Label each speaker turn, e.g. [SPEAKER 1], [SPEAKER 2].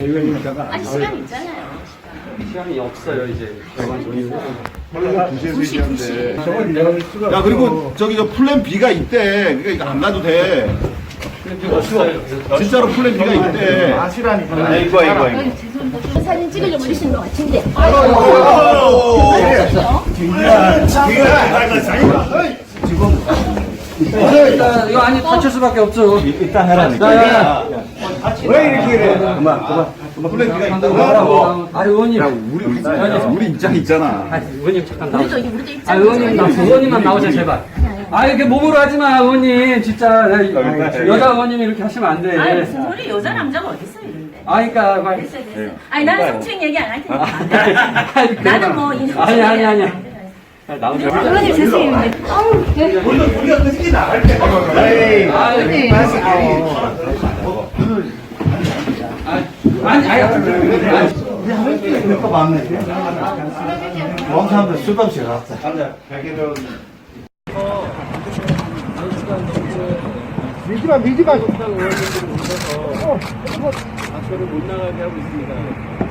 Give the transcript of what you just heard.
[SPEAKER 1] 아니 시간 있잖아요.
[SPEAKER 2] 시간이 없어요 이제.
[SPEAKER 3] 야 그리고 저기 저 플랜 B가 있대. 그러니까 이거 안 가도 돼. 진짜로 플랜 B가 있대.
[SPEAKER 4] 아시라니까.
[SPEAKER 3] 이거.
[SPEAKER 1] 죄송합니다. 사진 찍으려고 오신 것 같은데.
[SPEAKER 2] 일단 이거 아니 다칠 수밖에 없죠.
[SPEAKER 4] 일단 해라니까. 왜 이렇게 그래? 그만.
[SPEAKER 3] 플랜 B가 있다고.
[SPEAKER 2] 아 의원님.
[SPEAKER 3] 우리 입장 있잖아.
[SPEAKER 2] 아 의원님 잠깐 나오세요.
[SPEAKER 1] 우리도
[SPEAKER 2] 아
[SPEAKER 1] 입장.
[SPEAKER 2] 의원님만 나오세요 제발. 아 이렇게 몸으로 하지 마 의원님 진짜 여자 의원님이 이렇게 하시면 안 돼.
[SPEAKER 1] 아니 무슨 소리 여자 남자가 어디 있어요 이런데.
[SPEAKER 2] 아 그러니까
[SPEAKER 1] 됐어요. 아니 나는 성추행 얘기 안 할 테니까. 나는 뭐
[SPEAKER 2] 아니. 나오세요.
[SPEAKER 1] 의원님 죄송해요.
[SPEAKER 3] 우리가 그렇게 나갈 때.
[SPEAKER 4] 이거 맞네. 원 사람들 수도 없이 갔다.
[SPEAKER 3] 미지마.
[SPEAKER 2] 의원님들 오셔서 학교를 못 나가게 하고 있습니다.